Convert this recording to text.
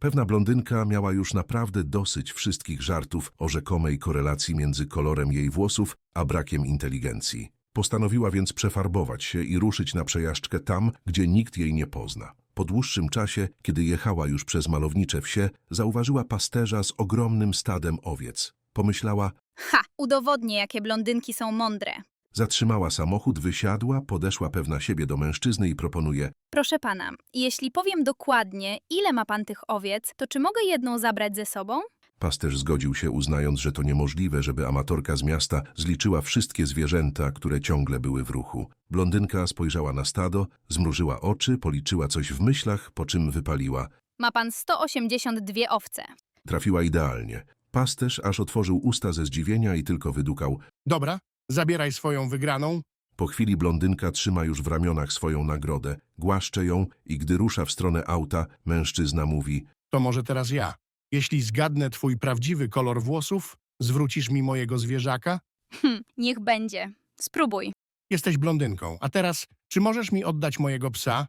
Pewna blondynka miała już naprawdę dosyć wszystkich żartów o rzekomej korelacji między kolorem jej włosów a brakiem inteligencji. Postanowiła więc przefarbować się i ruszyć na przejażdżkę tam, gdzie nikt jej nie pozna. Po dłuższym czasie, kiedy jechała już przez malownicze wsie, zauważyła pasterza z ogromnym stadem owiec. Pomyślała, Ha! Udowodnię, jakie blondynki są mądre. zatrzymała samochód, wysiadła, podeszła pewna siebie do mężczyzny i proponuje: Proszę pana, jeśli powiem dokładnie, ile ma pan tych owiec, to czy mogę jedną zabrać ze sobą? Pasterz zgodził się, uznając, że to niemożliwe, żeby amatorka z miasta zliczyła wszystkie zwierzęta, które ciągle były w ruchu. Blondynka spojrzała na stado, zmrużyła oczy, policzyła coś w myślach, po czym wypaliła. Ma pan 182 owce. Trafiła idealnie. Pasterz aż otworzył usta ze zdziwienia i tylko wydukał. Dobra, zabieraj swoją wygraną. Po chwili blondynka trzyma już w ramionach swoją nagrodę, głaszcze ją i gdy rusza w stronę auta, mężczyzna mówi: To może teraz ja. Jeśli zgadnę twój prawdziwy kolor włosów, zwrócisz mi mojego zwierzaka? Niech będzie. Spróbuj. Jesteś blondynką. A teraz, czy możesz mi oddać mojego psa?